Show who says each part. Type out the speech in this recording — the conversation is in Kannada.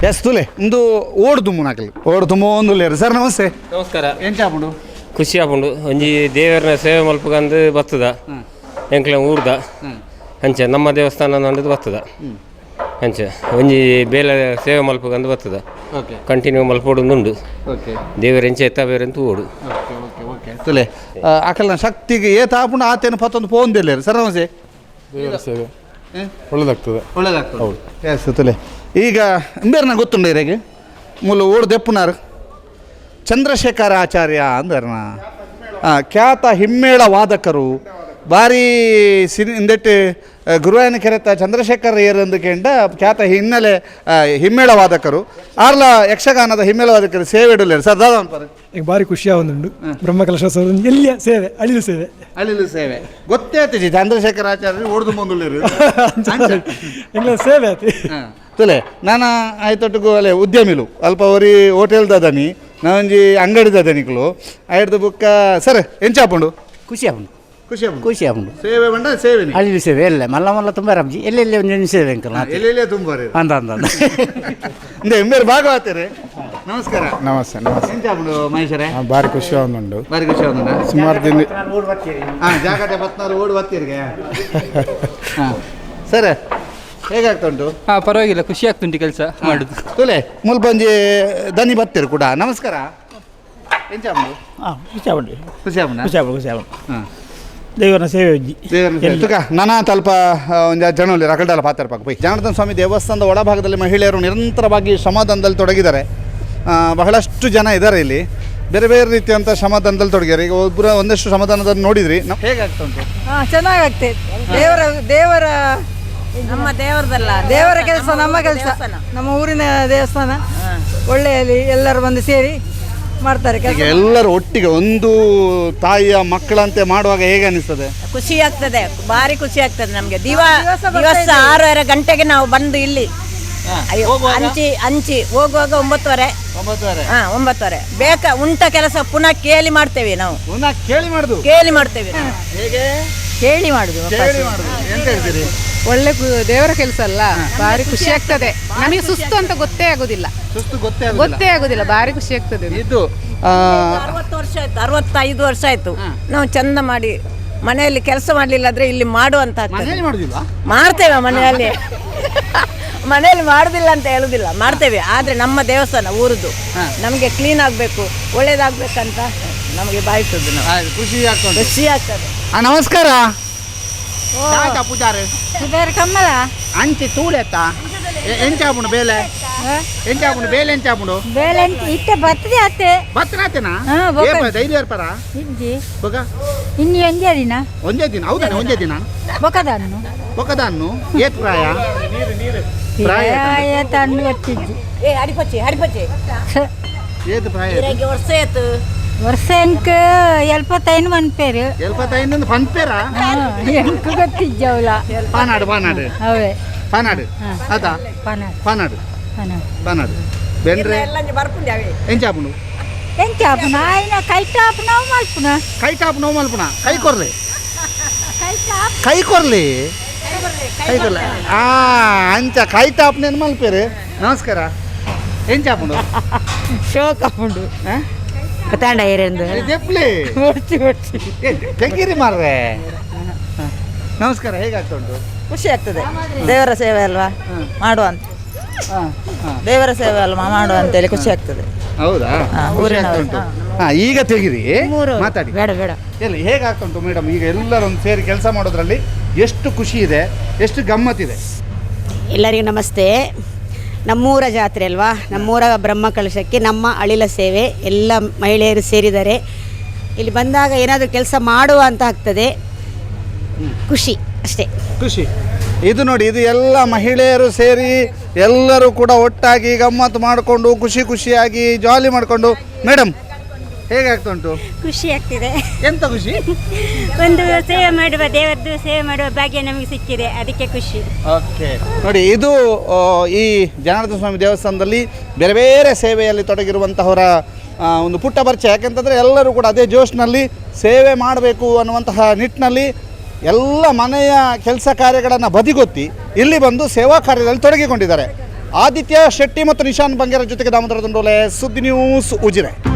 Speaker 1: ಎಸ್ ತುಲೆ ಇಂದು ಓಡು ತುಂಬು ನಾಕಲಿ ಓಡು ತುಂಬ ಒಂದು ಲೇರು ಸರ್ ನಮಸ್ತೆ
Speaker 2: ನಮಸ್ಕಾರ.
Speaker 1: ಏನು ಚಾಪುಂಡು
Speaker 2: ಖುಷಿ ಆಪುಂಡು ಒಂಜಿ ದೇವರನ್ನ ಸೇವೆ ಮಲ್ಪಗಂದು ಬರ್ತದ ಎಂಕ್ಲ ಊರ್ದ ಅಂಚೆ ನಮ್ಮ ದೇವಸ್ಥಾನ ನಂದು ಬರ್ತದ ಅಂಚೆ ಒಂಜಿ ಬೇಲೆ ಸೇವೆ ಮಲ್ಪಗಂದು ಬರ್ತದ
Speaker 1: ಓಕೆ
Speaker 2: ಕಂಟಿನ್ಯೂ ಮಲ್ಪೋಡುಂದುಂಡು
Speaker 1: ಓಕೆ
Speaker 2: ದೇವರ ಎಂಚೆ ಎತ್ತ ಬೇರೆಂತ ಓಡು
Speaker 1: ಓಕೆ ಓಕೆ ಓಕೆ ತುಲೆ ಅಕಲ್ನ ಶಕ್ತಿಗೆ ಏತ ಆಪುಂಡು ಆತೇನು ಪತ್ತೊಂದು ಪೋಂದಿಲ್ಲೇರು ಸರ್ ನಮಸ್ತೆ
Speaker 3: ದೇವರ ಸೇವೆ ಒಳ್ಳೆದಾಗ್ತದೆ.
Speaker 1: ಒಳ್ಳೇದಾಗ್ತದೆ ಹೌದು ಎಸ್ ತುಲೆ ಈಗ ಇಂಬೇರ್ನ ಗೊತ್ತುಂಡು ಇರೆಗೆ ಮೂಲ ಓಡು ದೆಪ್ಪುನಾರು ಚಂದ್ರಶೇಖರ ಆಚಾರ್ಯ ಅಂದರ್ನ ಖ್ಯಾತ ಹಿಮ್ಮೇಳ ವಾದಕರು ಭಾರಿ ಇಂದೆಟ್ಟು ಗುರುವಾಯನ ಕೆರೆತ ಚಂದ್ರಶೇಖರ ಏರಂದು ಕೇಂಡ ಖ್ಯಾತ ಹಿನ್ನೆಲೆ ಹಿಮ್ಮೇಳ ವಾದಕರು ಆರ್ಲ ಯಕ್ಷಗಾನದ ಹಿಮ್ಮೇಳ ವಾದಕರು ಸೇವೆ ಇಡಲೇರು ಸರ್ ದಾದ ಅನ್ಪಾರು
Speaker 4: ಈಗ ಭಾರಿ ಖುಷಿ ಆಗುಂಡು ಬ್ರಹ್ಮಕಲಶ ಎಲ್ಲಿಯ ಸೇವೆ ಅಳಿಲು ಸೇವೆ
Speaker 1: ಅಲ್ಲಿಲು ಸೇವೆ ಗೊತ್ತೇ ಆಯ್ತು ಚಂದ್ರಶೇಖರ ಆಚಾರ್ಯ ಓಡ್ದು ಬಂದುಳ್ಳೇರು
Speaker 4: ಎಲ್ಲ ಸೇವೆ ಆಯ್ತು
Speaker 1: ತುಲೆ ನಾನು ಆಯ್ತೊಟ್ಟಿಗೂ ಅಲ್ಲೇ ಉದ್ಯಮಿಲು ಅಲ್ಪ ಅವರಿ ಹೋಟೆಲ್ದ ದನಿ ನಾವೊಂಜಿ ಅಂಗಡಿದ ದನಿಗಳು ಆಯ್ತು ಬುಕ್ಕ ಸರ್ ಎಂಚಾಪುಂಡು
Speaker 5: ಖುಷಿ ಆಗುಂಡು
Speaker 1: ಖುಷಿ ಆಪುಂಡು
Speaker 5: ಖುಷಿ ಆಗುಂಡು
Speaker 1: ಸೇವೆ ಬಂಡ ಸೇವೆ
Speaker 5: ಅಲ್ಲಿ ಸೇವೆ ಎಲ್ಲ ಮಲ್ಲ ಮಲ್ಲ ತುಂಬ ರಬ್ಜಿ ಎಲ್ಲೆಲ್ಲಿ ಒಂದು ಸೇವೆ ಅಂಕಲ್
Speaker 1: ಎಲ್ಲೆಲ್ಲೇ ತುಂಬ
Speaker 5: ಅಂದ ಅಂದ
Speaker 1: ಇಂದ ಎಂಬೇರು ಭಾಗವತರೆ ನಮಸ್ಕಾರ
Speaker 3: ನಮಸ್ತೆ ನಮಸ್ತೆ
Speaker 1: ಎಂಚಾಪುಂಡು ಮಹೇಶ್ವರೇ
Speaker 3: ಭಾರಿ ಖುಷಿ ಆಗುಂಡು.
Speaker 1: ಬಾರಿ ಖುಷಿ ಆಗುಂಡ
Speaker 3: ಸುಮಾರು ದಿನ
Speaker 1: ಹಾಂ ಜಾಗಟೆ ಬತ್ನಾರು ಓಡಿ ಬತ್ತೀರಿಗೆ ಹಾಂ ಸರ್ ಹೇಗಾಗ್ತಾ ಉಂಟು?
Speaker 6: ಹಾಂ ಪರವಾಗಿಲ್ಲ, ಖುಷಿ ಆಗ್ತುಂಟು ಕೆಲಸ ಮಾಡೋದು.
Speaker 1: ತುಲೆ ಮುಲ್ಪಂಜಿ ದನಿ ಬತ್ತೀರು ಕೂಡ ನಮಸ್ಕಾರ ಎಂಚಾಪುಂಡು
Speaker 5: ಹಾಂ ಖುಷಿ ಆಗುಂಡು
Speaker 1: ಖುಷಿ ಆಪುಂಡ
Speaker 5: ಖುಷಿ ಆಗುಂಡು ಖುಷಿ ಆಗುಂಡು
Speaker 1: ಹಾಂ
Speaker 5: ದೇವರ ಸೇವೆ ಉಜ್ಜಿ
Speaker 1: ತುಕ ನಾನಾ ತಲ್ಪ ಒಂದು ಜನರಲ್ಲಿ ರಕಲ್ಡಲ್ಲ ಪಾತ್ರ ಪಾಕ ಪೈ ಜನಾರ್ದನ ಸ್ವಾಮಿ ದೇವಸ್ಥಾನದ ಒಳಭಾಗದಲ್ಲಿ ಮಹಿಳೆಯರು ನಿರಂತರವಾಗಿ ಶ್ರಮದಾನದಲ್ಲಿ ತೊಡಗಿದ್ದಾರೆ. ಬಹಳಷ್ಟು ಜನ ಇದ್ದಾರೆ ಇಲ್ಲಿ, ಬೇರೆ ಬೇರೆ ರೀತಿಯಂಥ ಶ್ರಮದಾನದಲ್ಲಿ ತೊಡಗಿದ್ದಾರೆ. ಈಗ ಒಬ್ಬರು ಒಂದಷ್ಟು ಶ್ರಮದಾನದಲ್ಲಿ ನೋಡಿದ್ರಿ ನಾವು ಹೇಗಾಗ್ತಾ ಉಂಟು?
Speaker 7: ಚೆನ್ನಾಗಾಗ್ತದೆ. ದೇವರ ನಮ್ಮ ದೇವರದಲ್ಲ, ದೇವರ ಕೆಲಸ ನಮ್ಮ ಕೆಲಸ, ನಮ್ಮ ಊರಿನ ದೇವಸ್ಥಾನ. ಒಳ್ಳೆಯಲ್ಲಿ ಎಲ್ಲರೂ ಬಂದು ಸೇರಿ ಮಾಡ್ತಾರೆ
Speaker 1: ಈಗ ಎಲ್ಲರೂ ಒಟ್ಟಿಗೆ ಒಂದು ತಾಯಿಯ ಮಕ್ಕಳಂತೆ ಮಾಡುವಾಗ ಹೇಗೆ ಅನಿಸ್ತದೆ?
Speaker 8: ಖುಷಿ ಆಗ್ತದೆ, ಭಾರಿ ಖುಷಿ ಆಗ್ತದೆ ನಮಗೆ. ದಿವಸ 6:30 ಗಂಟೆಗೆ ನಾವು ಬಂದು ಇಲ್ಲಿ ಹಂಚಿ ಹೋಗುವಾಗ 9:30. 9:30 ಬೇಕಾ ಉಂಟ ಕೆಲಸ ಪುನಃ ಕೇಳಿ ಮಾಡ್ತೇವೆ ನಾವು. ಕೇಳಿ ಮಾಡ್ತೇವೆ
Speaker 1: ಹೇಗೆ
Speaker 7: ಕೇಳಿ ಮಾಡುದು.
Speaker 1: ಎಂತ ಹೇಳ್ತೀರಿ?
Speaker 7: ಒಳ್ಳೆ ದೇವರ ಕೆಲಸ ಅಲ್ಲ, ಭಾರಿ ಖುಷಿ ಆಗ್ತದೆ. ನಮಗೆ ಸುಸ್ತು ಅಂತ ಗೊತ್ತೇ ಆಗುದಿಲ್ಲ,
Speaker 1: ಸುಸ್ತು ಗೊತ್ತೇ
Speaker 7: ಆಗುದಿಲ್ಲ, ಭಾರಿ ಖುಷಿ ಆಗ್ತದೆ.
Speaker 1: ಇದು
Speaker 8: 60 ವರ್ಷ ಆಯ್ತು, 65 ವರ್ಷ ಆಯ್ತು ನಾವು ಚಂದ ಮಾಡಿ ಮನೆಯಲ್ಲಿ ಕೆಲಸ ಮಾಡ್ಲಿಲ್ಲ ಆದ್ರೆ ಇಲ್ಲಿ ಮಾಡುವಂತ ಮಾಡ್ತೇವೆ. ಮನೆಯಲ್ಲಿ ಮಾಡುದಿಲ್ಲ ಅಂತ ಹೇಳುದಿಲ್ಲ, ಮಾಡ್ತೇವೆ. ಆದ್ರೆ ನಮ್ಮ ದೇವಸ್ಥಾನ ಊರದ್ದು ನಮಗೆ ಕ್ಲೀನ್ ಆಗ್ಬೇಕು, ಒಳ್ಳೇದಾಗ್ಬೇಕಂತ ನಮಗೆ ಬಾಯಿಸುದು. ನಾವು ಖುಷಿ ಆಗ್ತದೆ.
Speaker 1: ನಮಸ್ಕಾರ ಪೂಜಾರೆ
Speaker 7: ಕಮ್ಮಲ
Speaker 1: ಅಂಚಿ ತೂಳೆತ್ತ ಎಂಚಾಪುಂಡು ಬೇಲೆ ಎಂಚಾಪುಂಡು ಬೇಲೆ ಎಂಚಾಪುಂಡು
Speaker 7: ಬೇಳೆ ಇಟ್ಟ ಬರ್ತದೆ ಅತ್ತೆ
Speaker 1: ಬತ್ತನಾತೇನಾ ಧೈರ್ಯ ಇರ್ಪಾರ ಬೊಕ
Speaker 7: ಇನ್ನು
Speaker 1: ಒಂದೇ ದಿನ ಹೌದಾನೆ ಒಂದೇ ದಿನ ಬೊಕದನ್ನು ಏತ್ ಪ್ರಾಯ ಏತ್ ಪ್ರಾಯ
Speaker 8: ವರ್ಷ ಆಯ್ತು.
Speaker 7: ವರ್ಷಂಕ 75 ಮನ್ಪೇರು
Speaker 1: 75 ಪನ್ಪೇರಾ
Speaker 7: ಎಂಕ ಗೊತ್ತಿಜ್ಜವಲ್ಲ
Speaker 1: ಪಾನಾಡು
Speaker 7: ಅವೇ
Speaker 1: ಪಾನಾಡು ಅದ ಪಾನಾಡು ಬೆಂಡ್ರೆ ಎಂಚಾಪುಂಡು
Speaker 7: ಎಂಚಾಪುನ ಆಯ್ನ ಕೈಟಾಪ್ ನಾವು ಮಲ್ಪುನ
Speaker 1: ಕೈ ಕೊರ್ಲೆ ಅಂಚ ಕೈ ಟಾಪ್ ನೇನು ಮಲ್ಪೇರು. ನಮಸ್ಕಾರ ಎಂಚಾಪುಂಡು
Speaker 7: ಶೋಕಾಪುಂಡು ಕತಾಂಡ ಏರೆಂದು
Speaker 1: ದೆಪ್ಲೆ ತೆಗೀರಿ ಮಾರ್ರೆ. ನಮಸ್ಕಾರ ಹೇಗಾಗ್ತಾ ಉಂಟು?
Speaker 8: ಖುಷಿ ಆಗ್ತದೆ. ದೇವರ ಸೇವೆ ಅಲ್ವಾ ಮಾಡುವಂತ, ದೇವರ ಸೇವೆ ಅಲ್ವಾ ಮಾಡುವಂತೇಳಿ ಖುಷಿ ಆಗ್ತದೆ.
Speaker 1: ಹೌದಾ? ಈಗ ತೆಗಿರಿ ಮಾತಾಡಿ.
Speaker 7: ಬೇಡ
Speaker 1: ಎಲ್ಲಿ ಹೇಗಾಗ್ತಾ ಉಂಟು ಮೇಡಮ್? ಈಗ ಎಲ್ಲರೂ ಒಂದು ಸೇರಿ ಕೆಲಸ ಮಾಡೋದ್ರಲ್ಲಿ ಎಷ್ಟು ಖುಷಿ ಇದೆ, ಎಷ್ಟು ಗಮ್ಮತ್ತಿದೆ?
Speaker 9: ಎಲ್ಲರಿಗೂ ನಮಸ್ತೆ. ನಮ್ಮೂರ ಜಾತ್ರೆ ಅಲ್ವಾ, ನಮ್ಮೂರ ಬ್ರಹ್ಮಕಲಶಕ್ಕೆ ನಮ್ಮ ಅಳಿಲ ಸೇವೆ ಎಲ್ಲ ಮಹಿಳೆಯರು ಸೇರಿದ್ದಾರೆ. ಇಲ್ಲಿ ಬಂದಾಗ ಏನಾದರೂ ಕೆಲಸ ಮಾಡುವ ಅಂತ ಆಗ್ತದೆ, ಖುಷಿ ಅಷ್ಟೇ.
Speaker 1: ಖುಷಿ ಇದು ನೋಡಿ, ಇದು ಎಲ್ಲ ಮಹಿಳೆಯರು ಸೇರಿ ಎಲ್ಲರೂ ಕೂಡ ಒಟ್ಟಾಗಿ ಗಮ್ಮತ್ತು ಮಾಡಿಕೊಂಡು ಖುಷಿಯಾಗಿ ಜಾಲಿ ಮಾಡಿಕೊಂಡು. ಮೇಡಮ್ ಹೇಗಾಗ್ತಾ ಉಂಟು?
Speaker 9: ಖುಷಿ ಆಗ್ತಿದೆ.
Speaker 1: ಎಂತ ಖುಷಿ?
Speaker 9: ಒಂದು ಸೇವೆ ಮಾಡುವ, ದೇವರದ್ದು ಸೇವೆ ಮಾಡುವ ಭಾಗ್ಯ ನಮಗೆ ಸಿಕ್ಕಿದೆ, ಅದಕ್ಕೆ ಖುಷಿ.
Speaker 1: ಓಕೆ ನೋಡಿ, ಇದು ಈ ಜನಾರ್ದನ ಸ್ವಾಮಿ ದೇವಸ್ಥಾನದಲ್ಲಿ ಬೇರೆ ಬೇರೆ ಸೇವೆಯಲ್ಲಿ ತೊಡಗಿರುವಂತಹವರ ಒಂದು ಪುಟ್ಟ ಪರಿಚಯ. ಯಾಕೆಂತಂದರೆ ಎಲ್ಲರೂ ಕೂಡ ಅದೇ ಜೋಶ್ನಲ್ಲಿ ಸೇವೆ ಮಾಡಬೇಕು ಅನ್ನುವಂತಹ ನಿಟ್ಟಿನಲ್ಲಿ ಎಲ್ಲ ಮನೆಯ ಕೆಲಸ ಕಾರ್ಯಗಳನ್ನು ಬದಿಗೊತ್ತಿ ಇಲ್ಲಿ ಬಂದು ಸೇವಾ ಕಾರ್ಯದಲ್ಲಿ ತೊಡಗಿಕೊಂಡಿದ್ದಾರೆ. ಆದಿತ್ಯ ಶೆಟ್ಟಿ ಮತ್ತು ನಿಶಾನ್ ಬಂಗೇರ ಜೊತೆಗೆ ದಾಮೋದರ ದಂಡೋಲೆ, ಸುದ್ದಿ ನ್ಯೂಸ್ ಉಜಿರೆ.